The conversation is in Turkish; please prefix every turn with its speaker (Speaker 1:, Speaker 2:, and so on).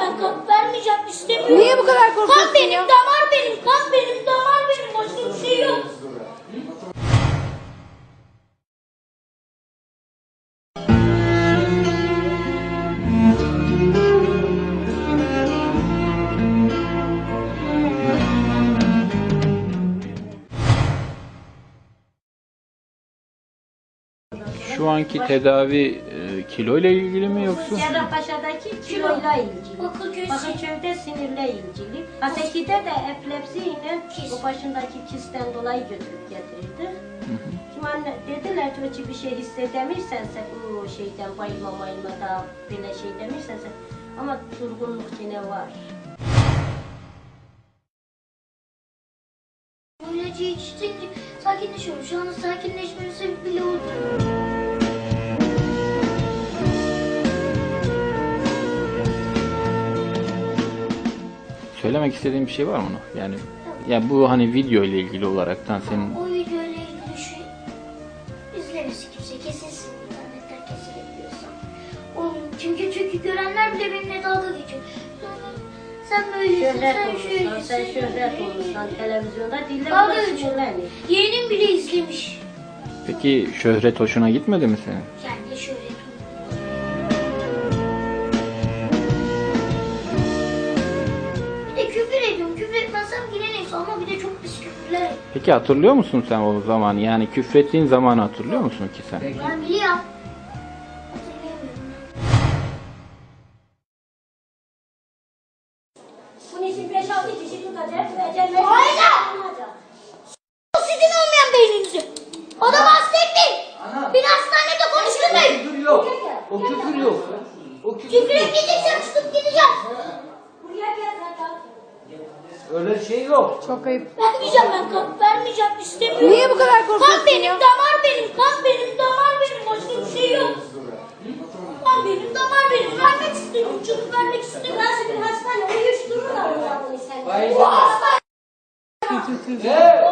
Speaker 1: ben, kan vermeyeceğim, istemiyorum.
Speaker 2: Niye bu kadar korkuyorsun
Speaker 1: Kan benim,
Speaker 2: ya?
Speaker 1: damar benim, kan benim, damar benim, başka bir şey yok.
Speaker 3: Şu anki tedavi kilo ile ilgili mi yoksa?
Speaker 4: Cerrahpaşa'daki kiloyla ilgili. Bakırköy'de sinirle ilgili. Haseki'de de epilepsiyle o başındaki kisten dolayı götürüp getirirdi. Şimdi anne dediler ki öyle bir şey hissedemirsense bu şeyden bayılma da böyle şey demirsense ama durgunluk yine var.
Speaker 1: Bu ilacı içtince sakinleşiyorum. Şu anda sakinleşmenin sebebi bile oldu.
Speaker 3: Söylemek istediğin bir şey var mı? Yani bu hani video ile ilgili olaraktan senin
Speaker 1: O videoyla ilgili şey izlemesin kimse, kesilsin internetten kesilebiliyorsa. Çünkü görenler bile benimle dalga geçiyor. Sen böylesin,
Speaker 4: Şöhret
Speaker 1: sen
Speaker 4: olursan,
Speaker 1: şöylesin,
Speaker 4: sen şöhret olursan televizyonda dille
Speaker 1: Dalga
Speaker 4: buna
Speaker 1: geçiyor.
Speaker 4: sinirlenir.
Speaker 1: Yeğenim bile izlemiş.
Speaker 3: peki şöhret hoşuna gitmedi mi senin?
Speaker 1: Yani şöyle bir de küfür ediyorum. Küfür etmezsem yine neyse ama bir de çok pis küfürler ediyorum.
Speaker 3: Peki hatırlıyor musun sen o zaman? Yani küfrettiğin zamanı hatırlıyor musun ki sen?
Speaker 1: Ben biliyorum. Hatırlayamıyorum.
Speaker 4: Bunun için 5-6 kişi tutacak ve cennet
Speaker 1: Aynen! Sizin olmayan beyninizi. O da bahsetti. Bir hastanede konuşturmayın.
Speaker 5: Küfür yok. O küfür yok. O küfür
Speaker 1: Küfür
Speaker 5: yok.
Speaker 1: edeceksem tutup gideceğim.
Speaker 4: buraya gel zaten.
Speaker 5: Öyle şey yok.
Speaker 2: Çok ayıp.
Speaker 1: Vermeyeceğim ben, kan vermeyeceğim, istemiyorum.
Speaker 2: Niye bu kadar korkuyorsun
Speaker 1: Kan benim,
Speaker 2: ya?
Speaker 1: damar benim, kan benim, damar benim, başka bir şey yok. Kan benim, damar benim, vermek istemiyorum, çocuk vermek istemiyorum.
Speaker 4: Nasıl bir hastane uyuştururlar o zaman seni.
Speaker 5: Hayır.
Speaker 1: Bu hasta,
Speaker 5: Ne?